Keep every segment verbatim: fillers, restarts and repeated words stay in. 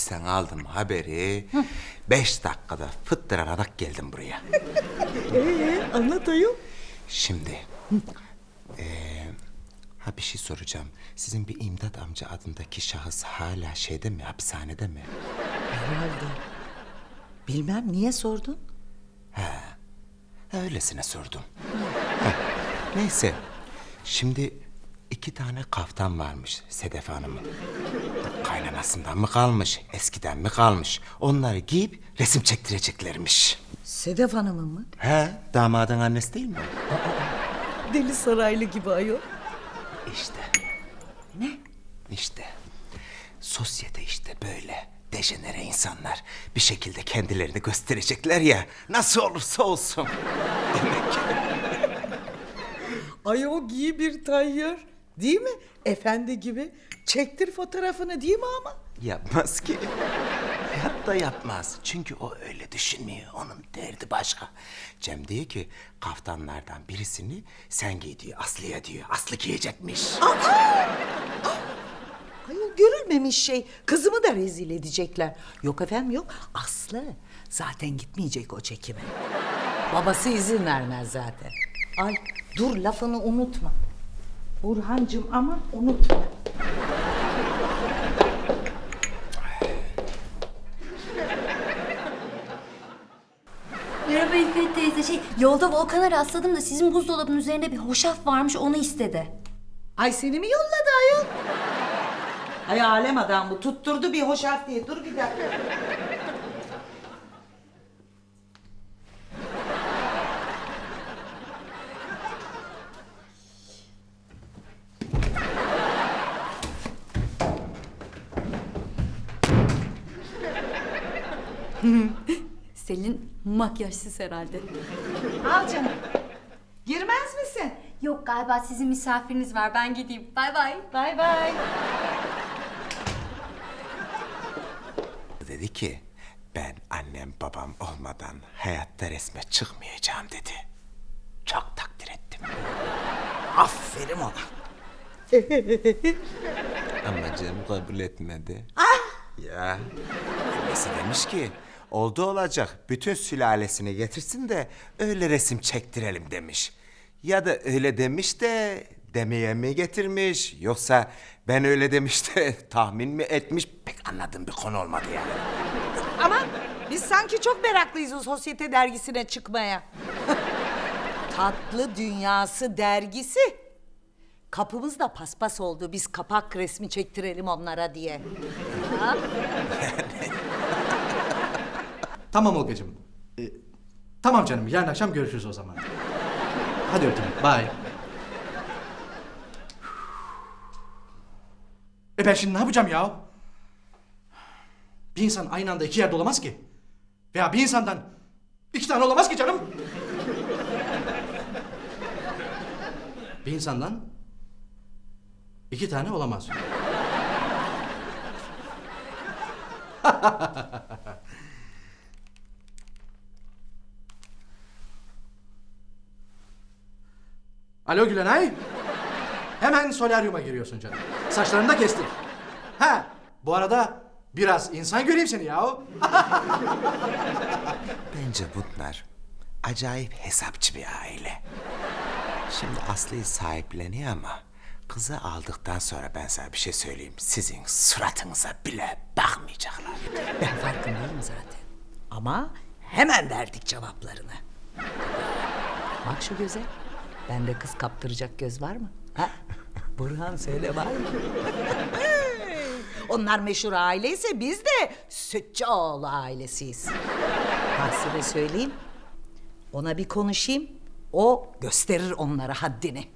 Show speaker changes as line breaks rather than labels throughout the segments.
polisten aldım haberi. Beş dakikada fıttırarak geldim buraya.
Ee, anlat ayol.
Şimdi, eee, ha bir şey soracağım. Sizin bir İmdat amca adındaki şahıs hala şeyde mi, hapishanede mi?
Herhalde. Bilmem, niye sordun?
Ha, öylesine sordum. Ha, neyse, şimdi iki tane kaftan varmış Sedef Hanım'ın. Kaynanasından mı kalmış, eskiden mi kalmış? Onları giyip resim çektireceklermiş.
Sedef Hanım'ın mı?
He, damadın annesi değil mi?
Deli Saraylı gibi ayol.
İşte.
Ne?
İşte. Sosyete işte böyle. Dejenere insanlar bir şekilde kendilerini gösterecekler ya. Nasıl olursa olsun.
Ay o giy bir tayyör. Değil mi? Efendi gibi. Çektir fotoğrafını değil mi ama?
Yapmaz ki. Hayatta yapmaz. Çünkü o öyle düşünmüyor. Onun derdi başka. Cem diyor ki kaftanlardan birisini sen giy diyor. Aslı'ya diyor. Aslı giyecekmiş.
Ay o görülmemiş şey. Kızımı da rezil edecekler. Yok efendim yok. Aslı zaten gitmeyecek o çekime. Babası izin vermez zaten. Ay dur lafını unutma. Burhancığım ama unutma.
Merhaba İffet teyze. Şey, yolda Volkan'a rastladım da sizin buzdolabının üzerinde bir hoşaf varmış, onu istedi.
Ay seni mi yolladı ayol? Ay alem adam bu. Tutturdu bir hoşaf diye. Dur bir dakika.
Selin makyajsız herhalde.
Al canım. Girmez misin?
Yok, galiba sizin misafiriniz var. Ben gideyim. Bay bay.
Bay bay.
Dedi ki ben annem babam olmadan hayatta resme çıkmayacağım dedi. Çok takdir ettim.
Aferin ona.
Ama Cem kabul etmedi. Ya annesi demiş ki oldu olacak bütün sülalesini getirsin de öyle resim çektirelim demiş. Ya da öyle demiş de demeye mi getirmiş yoksa ben öyle demiş de tahmin mi etmiş pek anladığım bir konu olmadı yani.
Ama biz sanki çok meraklıyız o sosyete dergisine çıkmaya. Tatlı Dünyası dergisi. Kapımızda paspas oldu. Biz kapak resmi çektirelim onlara diye. Ha?
Tamam Olgacığım. Ee, tamam canım, yarın akşam görüşürüz o zaman. Hadi öptüm, bye. E ben şimdi ne yapacağım ya? Bir insan aynı anda iki yerde olamaz ki. Veya bir insandan iki tane olamaz ki canım. Bir insandan iki tane olamaz. Alo Gülenay. Hemen solaryuma giriyorsun canım. Saçlarını da kestin. Ha, bu arada biraz insan göreyim seni yahu.
Bence bunlar acayip hesapçı bir aile. Şimdi Aslı'yı sahipleniyor ama kızı aldıktan sonra ben sana bir şey söyleyeyim. Sizin suratınıza bile bakmayacaklar.
Ben farkındayım zaten. Ama hemen verdik cevaplarını. Bak şu göze. Bende kız kaptıracak göz var mı? Ha? Burhan söyle var mı? Onlar meşhur aileyse biz de Sütçüoğlu ailesiyiz. Hasire söyleyeyim. Ona bir konuşayım. O gösterir onlara haddini.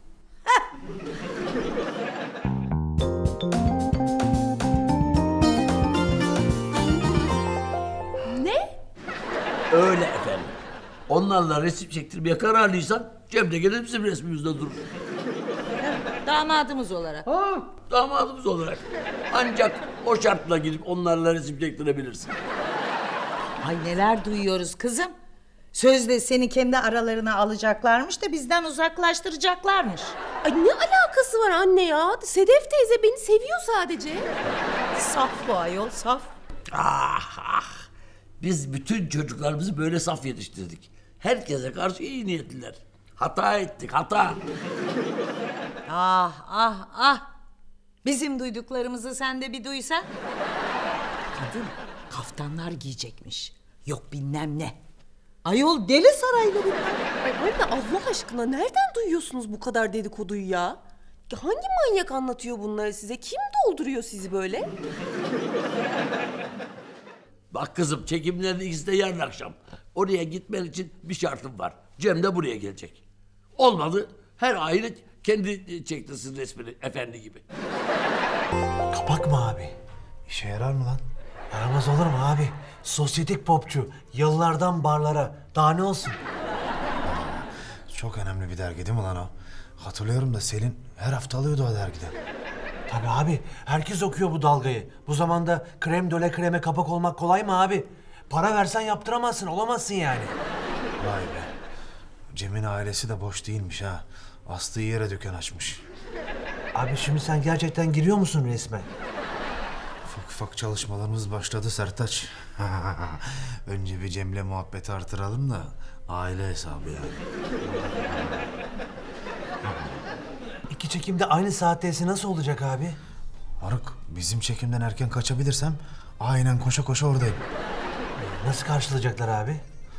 Ne?
Öyle efendim. Onlarla resim çektirmeye kararlıysan Cem de gelir bizim resmimizde durur.
Damadımız olarak.
Ha, damadımız olarak. Ancak o şartla gidip onlarla resim çektirebilirsin.
Ay neler duyuyoruz kızım. Sözde seni kendi aralarına alacaklarmış da bizden uzaklaştıracaklarmış.
Ay ne alakası var anne ya? Sedef teyze beni seviyor sadece.
Saf bu ayol, saf.
Ah ah. Biz bütün çocuklarımızı böyle saf yetiştirdik. Herkese karşı iyi niyetliler. Hata ettik, hata.
Ah ah ah. Bizim duyduklarımızı sen de bir duysan. Kadın kaftanlar giyecekmiş. Yok bilmem ne. Ayol deli saraylı bunlar.
Ay anne Allah aşkına nereden duyuyorsunuz bu kadar dedikoduyu ya? Ya hangi manyak anlatıyor bunları size? Kim dolduruyor sizi böyle?
Bak kızım, çekimlerin ikisi de yarın akşam. Oraya gitmen için bir şartım var. Cem de buraya gelecek. Olmadı her aile kendi çektirsin resmini efendi gibi.
Kapak mı abi? İşe yarar mı lan? Yaramaz olur mu abi? Sosyetik popçu. Yıllardan barlara. Daha ne olsun?
Çok önemli bir dergi değil mi lan o? Hatırlıyorum da Selin her hafta alıyordu o dergiden.
Tabii abi. Herkes okuyor bu dalgayı. Bu zamanda krem döle kreme kapak olmak kolay mı abi? Para versen yaptıramazsın. Olamazsın yani.
Vay be. Cem'in ailesi de boş değilmiş ha. Astığı yere dükkan açmış.
Abi şimdi sen gerçekten giriyor musun resme?
Ufak ufak çalışmalarımız başladı Sertaç. Önce bir Cem'le muhabbeti artıralım da aile hesabı yani.
İki çekimde aynı saatteyse nasıl olacak abi?
Moruk, bizim çekimden erken kaçabilirsem aynen koşa koşa oradayım.
Nasıl karşılayacaklar abi?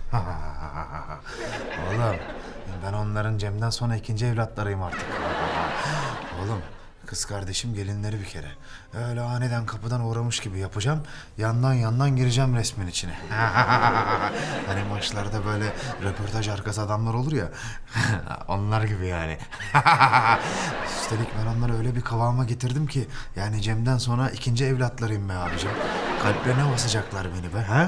Oğlum, ben onların Cem'den sonra ikinci evlatlarıyım artık. Oğlum, kız kardeşim gelinleri bir kere. Öyle aniden kapıdan uğramış gibi yapacağım. Yandan yandan gireceğim resmin içine. Hani maçlarda böyle röportaj arkası adamlar olur ya. Onlar gibi yani. Üstelik ben onları öyle bir kıvama getirdim ki... yani Cem'den sonra ikinci evlatlarıyım be abicim. Kalplerine basacaklar beni be. Ha?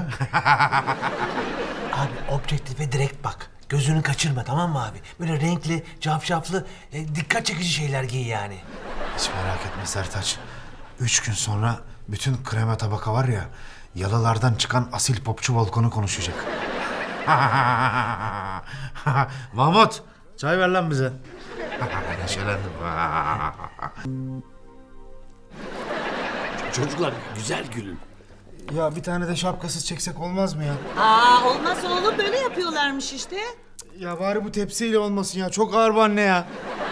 Abi objektife direkt bak. Gözünü kaçırma, tamam mı abi? Böyle renkli, cafcaflı, e, dikkat çekici şeyler giy yani.
Hiç merak etme Sertaç. Üç gün sonra bütün krema tabaka var ya... yalılardan çıkan asil popçu Volkan'ı konuşacak. Mahmut, çay ver lan bize. Neşelendim.
Çocuklar güzel gülün.
Ya bir tane de şapkasız çeksek olmaz mı ya?
Aa olmaz oğlum, böyle yapıyorlarmış işte.
Ya bari bu tepsiyle olmasın ya. Çok ağır bu anne ya.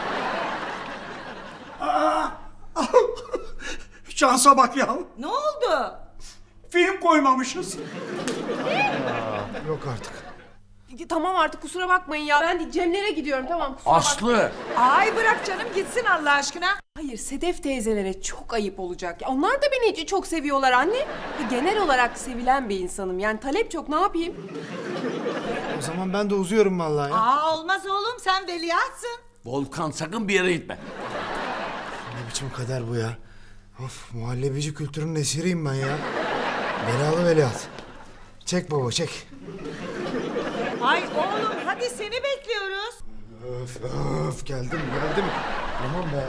Şansa bak ya.
Ne oldu?
Film koymamışız.
Yok artık.
Tamam artık kusura bakmayın ya. Ben Cemlere gidiyorum tamam kusura bakmayın.
Aslı.
Ay bırak canım gitsin Allah aşkına.
Hayır Sedef teyzelere çok ayıp olacak. Ya onlar da beni çok seviyorlar anne. Ya genel olarak sevilen bir insanım. Yani talep çok, ne yapayım?
O zaman ben de uzuyorum vallahi ya.
Aa olmaz oğlum, sen veliahtsın.
Volkan sakın bir yere gitme.
Ne biçim kader bu ya? Of, muhallebici kültürünün esiriyim ben ya. Belalı veliaht. Çek baba çek.
Ay oğlum hadi seni bekliyoruz.
Öf öf geldim geldim. Tamam be.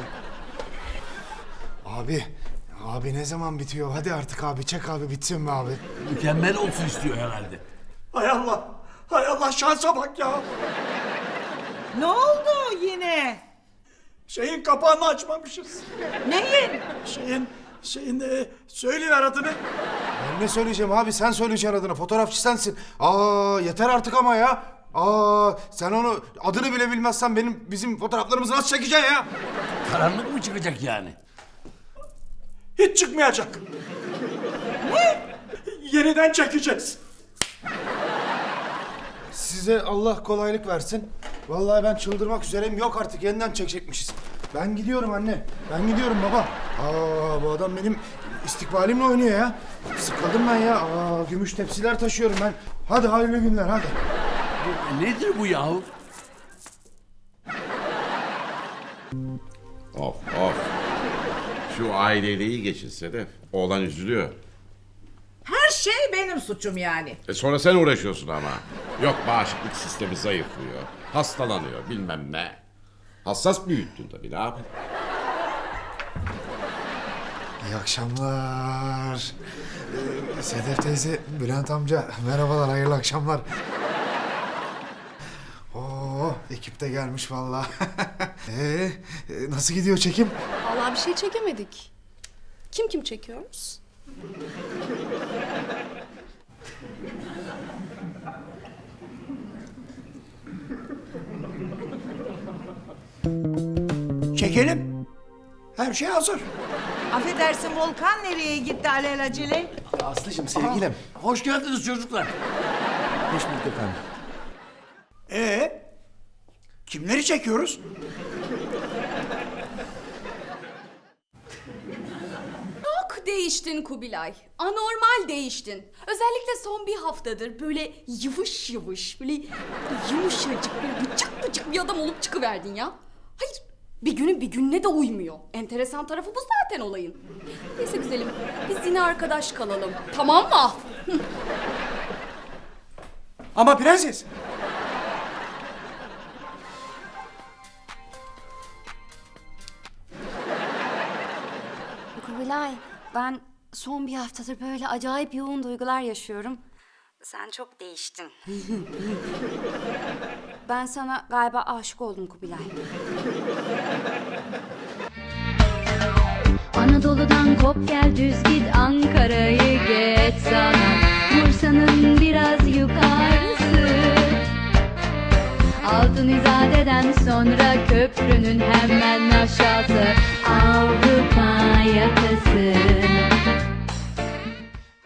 Abi, abi ne zaman bitiyor? Hadi artık abi çek abi bitsin be abi.
Mükemmel olsun istiyor herhalde.
Hay Allah. Hay Allah şansa bak ya.
Ne oldu yine?
Şeyin kapağını açmamışız.
Neyin?
Şeyin, şeyin e, söyleyiver adını.
Ben ne söyleyeceğim abi, sen söyleyeceksin adını, fotoğrafçı sensin. Aa yeter artık ama ya. Aa sen onu adını bile bilmezsen benim bizim fotoğraflarımızı nasıl çekeceksin ya?
Karanlık mı çıkacak yani?
Hiç çıkmayacak. Ne? Yeniden çekeceğiz.
Size Allah kolaylık versin. Vallahi ben çıldırmak üzereyim. Yok artık, yeniden çekecekmişiz. Ben gidiyorum anne. Ben gidiyorum baba. Aa bu adam benim istikbalimle oynuyor ya. Sıkıldım ben ya. Aa gümüş tepsiler taşıyorum ben. Hadi hayırlı günler hadi.
Nedir bu yahu?
Of of. Şu aileyle iyi geçin Sedef. Oğlan üzülüyor.
Her şey benim suçum yani.
E sonra sen uğraşıyorsun ama. Yok bağışıklık sistemi zayıflıyor. Hastalanıyor bilmem ne. Hassas büyüttün tabii, ne yapayım?
İyi akşamlar. Ee, Sedef teyze, Bülent amca merhabalar, hayırlı akşamlar. Oo ekip de gelmiş vallahi. ee, nasıl gidiyor çekim?
Vallahi bir şey çekemedik. Kim kim çekiyoruz?
Çekelim. Her şey hazır.
Affedersin Volkan nereye gitti alelacele?
Aslıcığım sevgilim.
Hoş geldiniz çocuklar.
Hoş bulduk efendim.
Ee, kimleri çekiyoruz?
Çok değiştin Kubilay. Anormal değiştin. Özellikle son bir haftadır böyle yıvış yıvış, böyle yumuşacık, böyle bıcık bıcık bir adam olup çıkıverdin ya. Hayır, bir günün bir gününe de uymuyor. Enteresan tarafı bu zaten olayın. Neyse güzelim, biz yine arkadaş kalalım. Tamam mı?
Ama prenses.
Kubilay, ben son bir haftadır böyle acayip yoğun duygular yaşıyorum. Sen çok değiştin. Ben sana galiba aşık oldum Kubilay.
Anadolu'dan kop gel düz git Ankara'yı geç sana Bursa'nın biraz yukarısı Altın İzade'den sonra köprünün hemen aşağısı Avrupa yakası